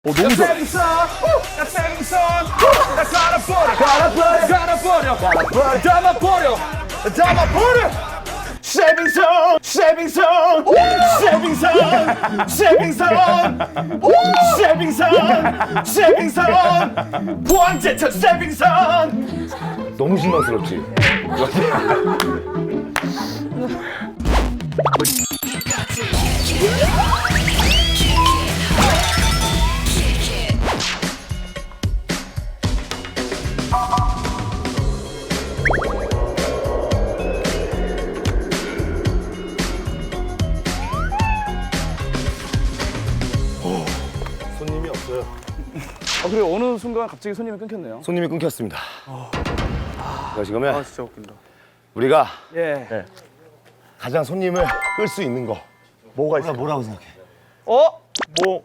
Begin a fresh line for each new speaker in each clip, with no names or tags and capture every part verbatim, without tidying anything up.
어, 너무 좋아.
나 생선, 나 갈아버려, 갈아버려, 갈아버려, 갈아버려, 담아버려, 담아버려. 쉐빙선, 쉐빙선, 쉐빙선, 쉐빙선, 쉐빙선, 쉐빙선, 포항제철 쉐빙선.
너무 실망스럽지?
손님이 없어요. 아, 그리고 어느 순간 갑자기 손님이 끊겼네요.
손님이 끊겼습니다. 자, 지금은
아, 진짜 웃긴다.
우리가
예.
가장 손님을 끌 수 있는 거 뭐가 있어? 뭐라고 생각해?
어?
뭐?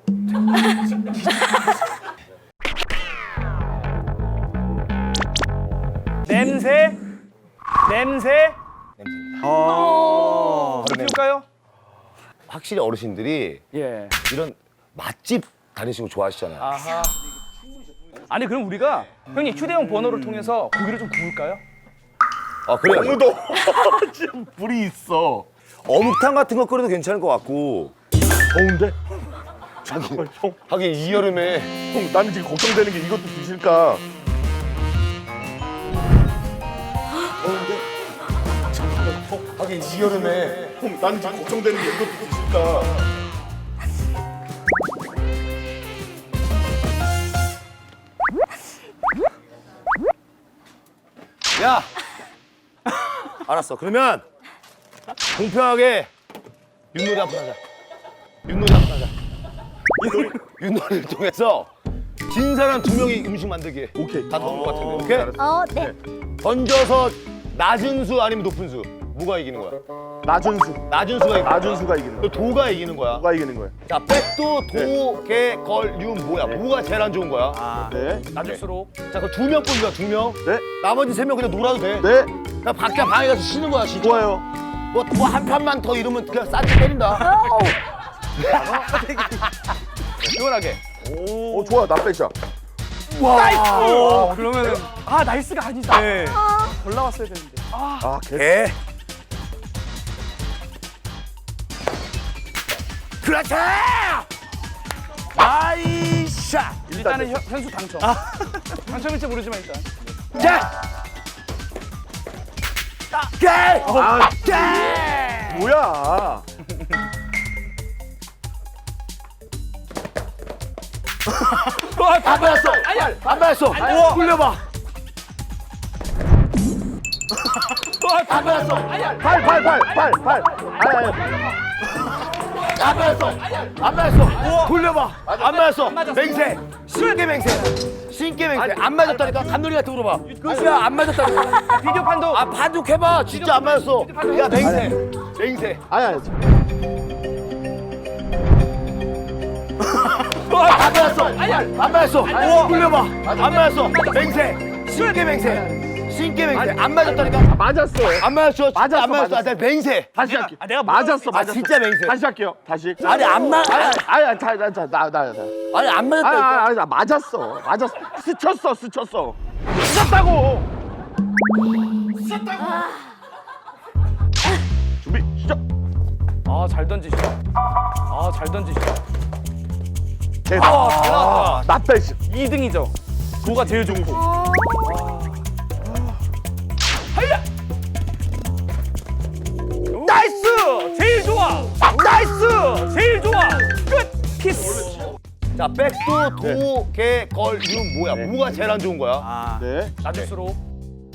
냄새? 냄새?
냄새입니다.
아. 피울까요?
확실히 어르신들이
예.
이런 맛집 다니시고 좋아하시잖아요.
아하. 아니 그럼 우리가 형님 휴대용 버너를 통해서 고기를 좀 구울까요?
아, 그래요?
너무 더워. 지금 불이 있어.
어묵탕 같은 거 끓여도 괜찮을 것 같고.
더운데? 잠깐만 형.
하긴 이 여름에
형, 나는 지금 걱정되는 게 이것도 드실까? 더운데? 잠깐만 형.
하긴 이 여름에
형, 나는 지금 걱정되는 게 이것도 드실까?
야! 알았어. 그러면 공평하게 윷놀이 한 번 하자. 윷놀이 한 번 하자. 윷놀이, 윷놀이를 통해서 진 사람 두 명이 음식 만들기.
오케이.
다 좋을 것 같은데. 오케이?
어, 네.
던져서 낮은 수 아니면 높은 수. 뭐가 이기는 거야?
낮은 수.
낮은 수가 이기는 거야.
낮은 수가 이기는
또
거야.
도가 이기는 거야.
누가 이기는 거야?
자, 백도, 도, 개, 걸, 윷 뭐야? 뭐가 제일 안 좋은 거야?
아.
네.
낮을수록.
자, 그 두 명 뿐이야, 두 명.
네.
나머지 세 명 그냥 놀아도 돼.
네.
그냥 밖에 방에 가서 쉬는 거야, 진짜.
좋아요.
뭐, 뭐 한 판만 더 이러면 그냥 싼지 때린다.
시원하게.
오, 좋아. 나 백샷.
나이스! 어, 그러면은 아 나이스가 아니다.
네.
올라왔어야 되는데. 아.
아, 개.
개. 그렇지! 나이샷!
일단은 현, 현수 당첨. 당첨일지 모르지만 일단.
자! 개!
아,
개!
뭐야?
안 맞았어! 안 맞았어! 우와! 굴려봐! 안 맞았어!
팔, 팔, 팔, 팔, 팔. 아니, 아니.
안 맞았어! 안 맞았어! 돌려봐! 안 맞았어! 맹세! 신게 맹세! 신게 맹세! 안 맞았다니까? 감놀이 같은 거 물어봐! 야, 안 맞았다니까?
비디오 판도.
아, 반죽해봐! 진짜 안 맞았어! 야, 맹세! 맹세!
아니, 아니.
안 맞았어! 안 맞았어! 돌려봐! 안 맞았어! 맹세! 신게 맹세! 신게 맹세! 안 맞았다니까?
맞았어.
안 맞았어! 진짜
맞았어,
안 맞았어!
맞았어.
나 맹세!
다시
내가-
할게.
아, 내가
맞았어,
아,
맞았어.
진짜 맹세!
다시 할게요. 다시.
아니, 안 맞,
아니,
아니,
아니, 아니, 자, 자, 자, 나, 나, 나.
아니, 안
아니,
맞았다니까?
아니, 아니, 맞았어. 맞았어. 스쳤어, 스쳤어. 스쳤다고. 스쳤다고. 준비, 시작.
아잘 던지시다. 아잘 던지시다.
개.
아, 잘 나왔다.
나 빼시.
이 등이죠. 도가 제일 좋고. 하야! 나이스! 제일 좋아! 나이스! 제일 좋아! 끝! 키스!
자, 백도, 도, 개, 걸, 윷 뭐야? 뭐가 제일 안 좋은 거야?
아,
네.
낮을수록.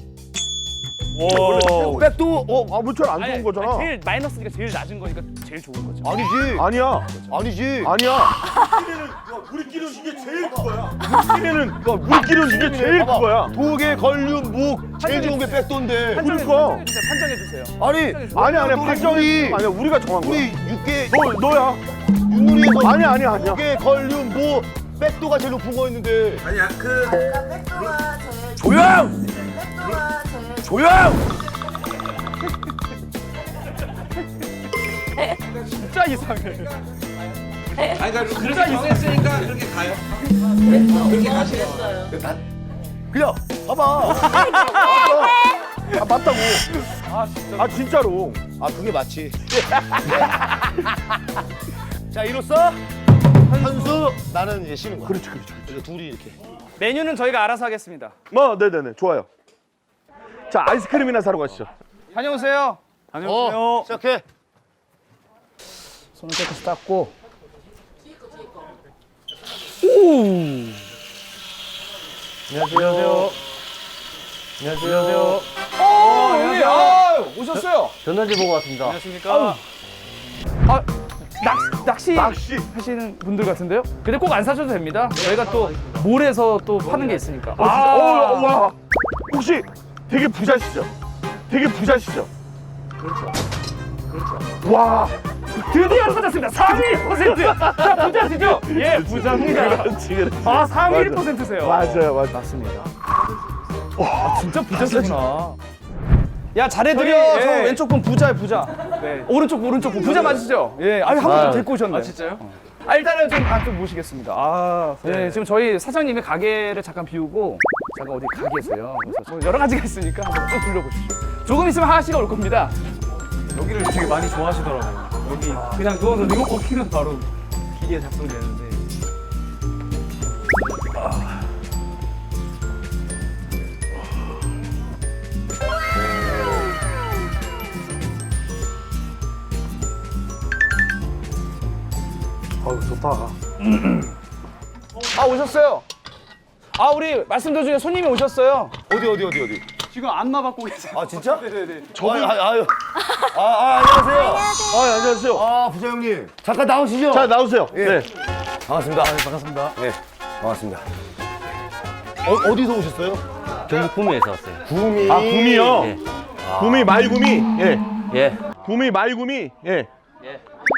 백도, 어,
아, 뭐철 안 좋은 거잖아.
제일 마이너스니까 제일 낮은 거니까 제일 좋은 거죠.
아니지.
아니야.
아니지.
아니야. 우리끼리는 이게 제일 그거야. 우리끼리는 우리끼리는 이게 제일
봐봐.
그거야.
도개, 걸륜, 묵 제일 좋은 게 백도인데.
판정해
그러니까.
주세요. 판정해 주세요.
아니,
아니 아니
우리,
판정이
우리,
아니야. 우리가 정한 거야.
우리 육개
너 너야.
윷놀이에서
아니 아니 아니야.
도개, 걸륜, 묵 백도가 제일 높은 거였는데.
아니야 그 백도가 제일
조용!
백도가 제일
조용!
진짜 이상해.
아니 그러니까 그렇게 정했으니까 그렇게 가요. 그렇게 가시요.
그냥 봐봐.
아 맞다고. 아 진짜로.
아 그게 맞지. 자 이로써 현수 나는 이제 쉬는 거야.
그렇지 그렇지.
그래서 둘이 이렇게.
메뉴는 저희가 알아서 하겠습니다.
뭐 네네네 좋아요. 자 아이스크림이나 사러 가시죠.
다녀오세요.
어 시작해.
손을 깨끗이 닦고.
안녕하세요. 안녕하세요.
어, 형님, 아, 오셨어요.
전단지 보고 왔습니다.
안녕하십니까. 아, 낚, 낚시,
낚시.
하시는 분들 같은데요? 근데 꼭 안 사셔도 됩니다. 저희가 또 몰에서 또 파는 게 있으니까.
아, 진짜? 어, 와. 혹시 되게 부자시죠? 되게 부자시죠? 그렇죠. 그렇죠. 와.
드디어 찾았습니다. 삼십일 퍼센트. 자, 부자시죠? 예, 부자입니다.
그렇지, 그렇지.
아, 삼십일 퍼센트세요.
맞아요, 맞아요.
맞습니다. 와, 진짜 부자시구나. 야, 잘해드려.
저기,
저
예.
왼쪽 분 부자야, 부자. 네. 오른쪽, 오른쪽 분 부자 맞으시죠? 예. 아니, 한 분 좀 데리고 오셨네. 아, 진짜요? 아, 일단은 좀, 아, 좀 모시겠습니다. 아, 네. 지금 저희 사장님의 가게를 잠깐 비우고, 잠깐 어디 가 계세요. 그래서 뭐 여러 가지가 있으니까 한번 쭉 둘러보시죠. 조금 있으면 하하 씨가 올 겁니다.
여기를 되게 많이 좋아하시더라고요. 여기 그냥 누워서 리모컨 키면 바로 기계 작동되는데.
아유, 좋다.
아, 오셨어요. 아, 우리 말씀 도중에 손님이 오셨어요.
어디 어디 어디 어디.
지금 안마 받고 계세요.
아 진짜?
네네네.
저기 아유, 아유. 아, 아 안녕하세요.
아, 안녕하세요.
아 부자 형님 잠깐 나오시죠.
자, 나오세요.
예.
네.
반갑습니다. 반갑습니다. 네 반갑습니다. 어, 어디서 오셨어요?
경북 구미에서 왔어요.
구미.
아, 구미요?
예.
구미 말구미. 예.
예.
구미 말구미. 예.
예.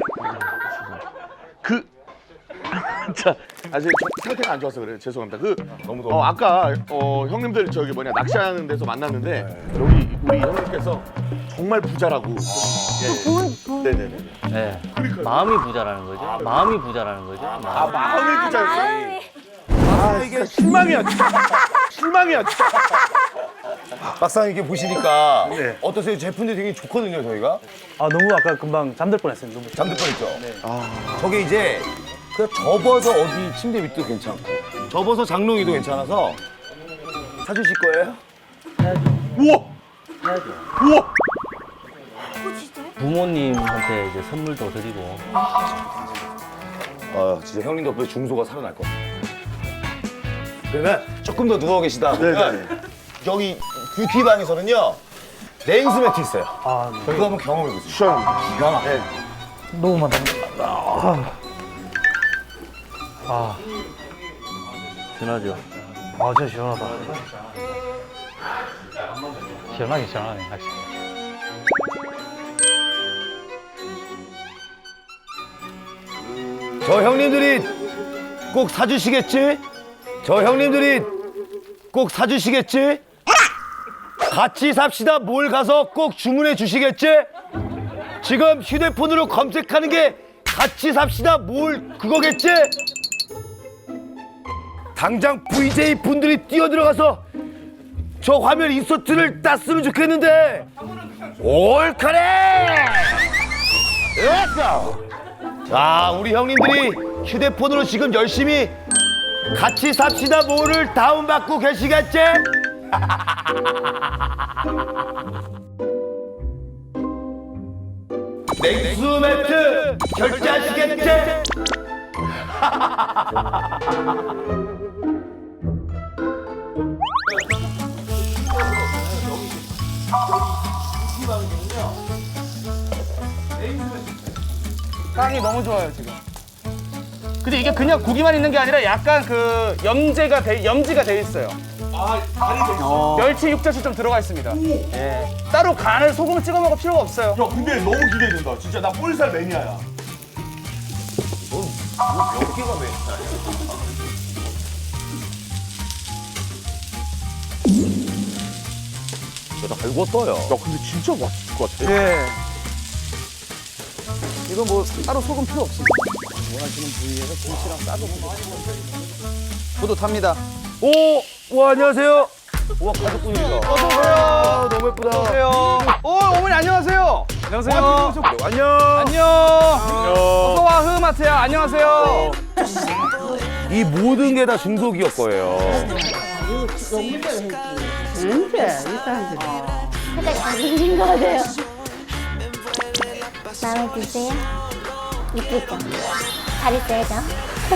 그 자, 아직 상태가 안 좋아서 그래요. 죄송합니다. 그 너무 더워. 어, 아까 어, 형님들 저기 뭐냐 낚시하는 데서 만났는데 여기 우리 형님께서 정말 부자라고. 예.
분, 분.
네네네.
예. 마음이 부자라는 거죠. 마음이 부자라는 거죠.
아,
마음.
마음이 부자였어요.
마음이.
아, 이게 실망이야. 진짜. 실망이야. 진짜.
막상 이렇게 보시니까
네.
어떠세요? 제품들이 되게 좋거든요 저희가.
아 너무 아까 금방 잠들 뻔했어요. 너무.
잠들 뻔했죠. 저게 이제 그냥 접어서 어디 침대 밑도 괜찮고 접어서 장롱이도 괜찮아서 사주실 거예요?
우와. 우와.
어, 진짜요?
부모님한테 이제 선물도 드리고.
아 진짜 형님 덕분에 중소가 살아날 것 같아요. 그러면 조금 더 누워 계시다 보면
네네.
여기 뷰티방에서는요 레인스 매트 있어요.
아, 네.
그거 한번 경험해 보세요.
시원합니다.
기가 막혀.
너무 많다. 아, 아,
시원하죠.
아, 진짜 시원하다. 시원하게 시원하네, 확실히.
저 형님들이 꼭 사주시겠지? 저 형님들이 꼭 사주시겠지? 같이 삽시다 몰 가서 꼭 주문해 주시겠지? 지금 휴대폰으로 검색하는 게 같이 삽시다 몰 그거겠지? 당장 브이제이 분들이 뛰어들어가서 저 화면 인서트를 땄으면 좋겠는데 올카레! 렛츠고! 자, 우리 형님들이 휴대폰으로 지금 열심히 같이 삽시다 뭐를 다운받고 계시겠지? 냉수 매트 결제하시겠지?
빵이 너무 좋아요 지금. 근데 이게 그냥 고기만 있는 게 아니라 약간 그 염제가 돼, 염지가 돼 있어요.
아, 간이 돼 있어.
멸치 육젓이 좀 들어가 있습니다. 예. 따로 간을 소금을 찍어 먹을 필요가 없어요.
야, 근데 너무 기대된다. 진짜 나 볼살 매니아야.
몇 개가 왜? 잘 익었어요.
야, 근데 진짜 맛있을 것 같아.
예. 이건 뭐 따로 소금 필요 없습니다. 원하시는 부위에서 김치랑 싸서 먹으면 뿌듯합니다.
오, 와 안녕하세요. 와 가족분이다.
어서 오세요.
아, 너무 예쁘다.
안녕하세요. 오, 어머니 안녕하세요. 안녕하세요.
안녕.
안녕. 어서 와 흐마트야. 안녕하세요.
이 모든 게 다 중소기업 거예요.
살짝 잘생긴 거 같아요. 마음에 드세요? 이쁘죠? 잘 있어요, 저?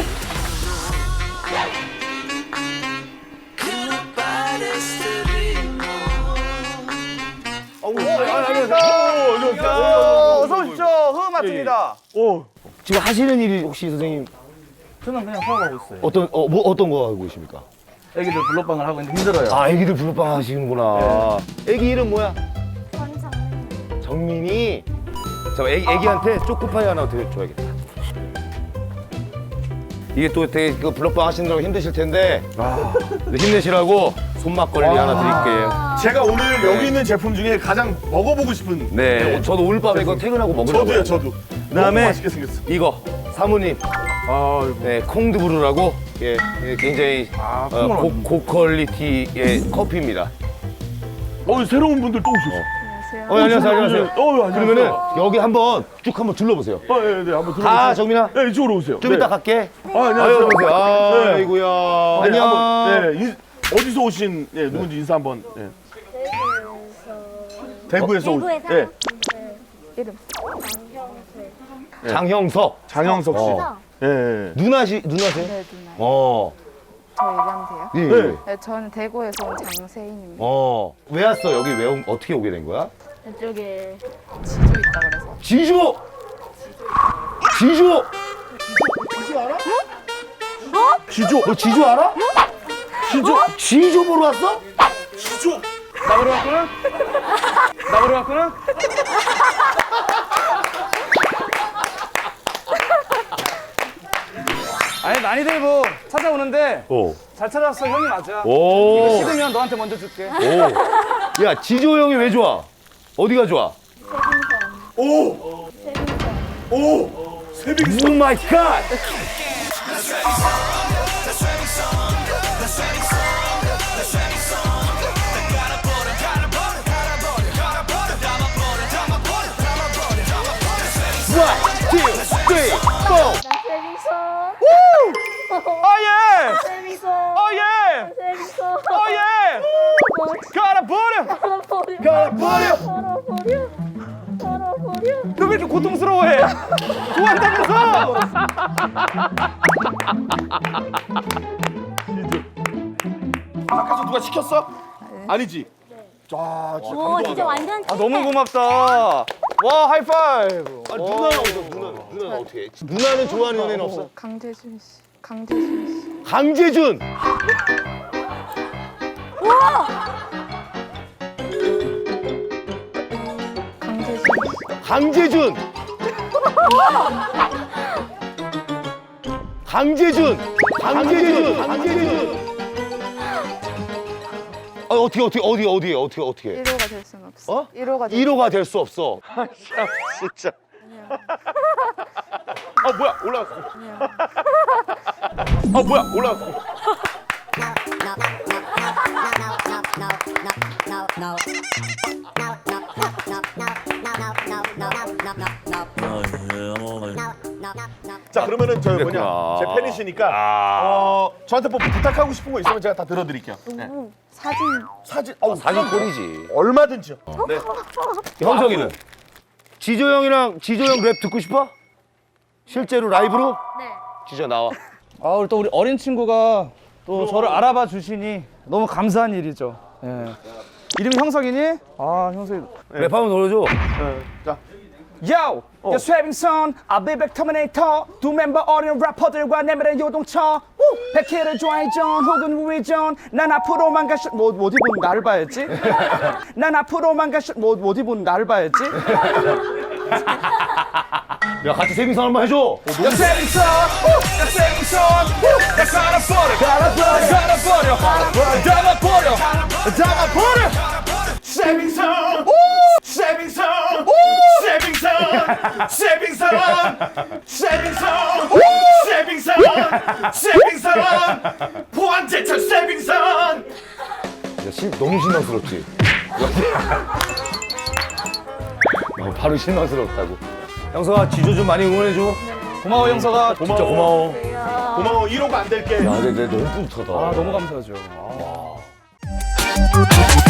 어서 오십시오. 흐마트입니다.
지금 하시는 일이 혹시 선생님
저는 그냥 사업하고 있어요.
어떤 어, 뭐 어떤 거 하고 계십니까?
애기들 블록방을 하고 있는데 힘들어요.
아, 애기들 블루빵 하시는구나. 애기 이름 뭐야?
완성.
정민이. 저 애기, 애기한테 초코파이 하나 더 줘야겠다. 이게 또 되게 그 블루빵 하시는 거 힘드실 텐데 네, 힘내시라고 손막걸리 하나 드릴게요.
제가 오늘 여기 있는 제품 중에 가장 먹어보고 싶은.
네, 저도 오늘 밤에 이거 퇴근하고 먹으려고요.
저도요, 저도.
그다음에
너무 맛있게 생겼어.
이거 사모님,
아,
네 콩드브루라고 예, 예, 굉장히
아,
어, 고, 고퀄리티의 커피입니다.
어, 새로운 분들 또 오셨어.
어, 안녕하세요, 안녕하세요.
어, 안녕하세요.
그러면은 여기 한번 쭉 한번 둘러보세요.
어, 네, 네, 한번 들어오세요.
가, 정민아.
네, 이쪽으로 오세요.
좀
네.
이따 갈게.
아, 안녕하세요.
아유, 안녕하세요. 아,
네.
아이고야.
네,
안녕.
한번, 네, 인, 어디서 오신, 네, 누군지 인사 한번. 네. 대구에서 오-
대구에서?
네.
이름.
장형석.
장영석 씨.
어.
예. 네.
누나시, 누나세요?
네, 누나.
어.
저 얘기하면 돼요?
예.
네.
네, 저는 대구에서 온 장세인입니다.
어. 왜 왔어? 여기 왜, 온- 어떻게 오게 된 거야?
이쪽에
지주 있다 그래서.
지주! 지주!
지조.
너 지주 알아?
지조.
지주 보러 왔어?
지조.
나 보러 왔구나? 나 보러 왔구나? 아니 많이들 뭐 찾아오는데
오.
잘 찾아왔어. 형이 맞아.
오.
식으면 너한테 먼저 줄게.
오. 야, 지조 형이 왜 좋아? 어디가 좋아?
오. 오. 세빙수.
오 마이 갓! One, two, three, four.
세빙선.
어 예!
세빙선.
어 예!
세빙선.
어 예! 갈아버려!
걸어버려.
갈아버려.
걸어버려. 걸어버려.
너 왜 이렇게 고통스러워해? 좋아한다면서!
밖에서 누가 시켰어? 아니지. 아, 진짜
오, 진짜 완전
아 너무 고맙다. 와 하이파이브.
아, 누나는 어디서? 누나, 누나는 어떻게 해? 누나는 좋아하는 연예인 없어?
강재준 씨. 강재준 씨.
강재준!
강재준 씨.
강재준! 강재준! 강재준! 강재준! 아, 어떻게, 어떻게, 어디, 어디에, 어떻게, 어떻게.
일 호가 될 순 없어.
어?
일 호가 될
일 호가 될 수 없어.
진짜. 아, 뭐야, 올라왔어. 아, 뭐야, 올라왔어. 자, 그러면은 저 뭐냐,
그랬구나.
제 팬이시니까
아.
어 저한테 뭐 부탁하고 싶은 거 있으면 제가 다 들어드릴게요. 네.
사진.
사진, 어,
사진 꼴이지.
얼마든지요. 네.
형석이는? 지조 형이랑 지조 형 랩 듣고 싶어? 실제로 라이브로?
네.
지조 나와.
아 우리 또 우리 어린 친구가 또 저를 알아봐 주시니 너무 감사한 일이죠. 예. 이름이 형석이니? 아 형석이.
랩 한번 놀아줘.
네. 자,
Yo! 야 쇠빙선, 아비백 터미네이터 두 멤버 어린 래퍼들과 내밀의 요동쳐 백희를 좋아해전 혹은 우회전 난 앞으로만 가시 뭐, 뭐 어디 보는 나를 봐야지 난 앞으로만 가시 뭐, 어디 보는 나를 봐야지
야, 같이 세빙선 한번 해줘.
야 쇠빙선, 야 쇠빙선 야 갈아버려 갈아버려 갈아버려 담아버려 담아버려
세빙선, 세빙선, 세빙선, 세빙선, 세빙선.
신, 너무 실망스럽지? 어, 바로 실망스럽다고. 형서가 지조 좀 많이 응원해줘.
고마워 형서가.
진짜 고마워.
고마워. 일 호가 안 될게.
야, 근데, 근데 너무 뿌듯하다.
아 너무 감사하죠. 아.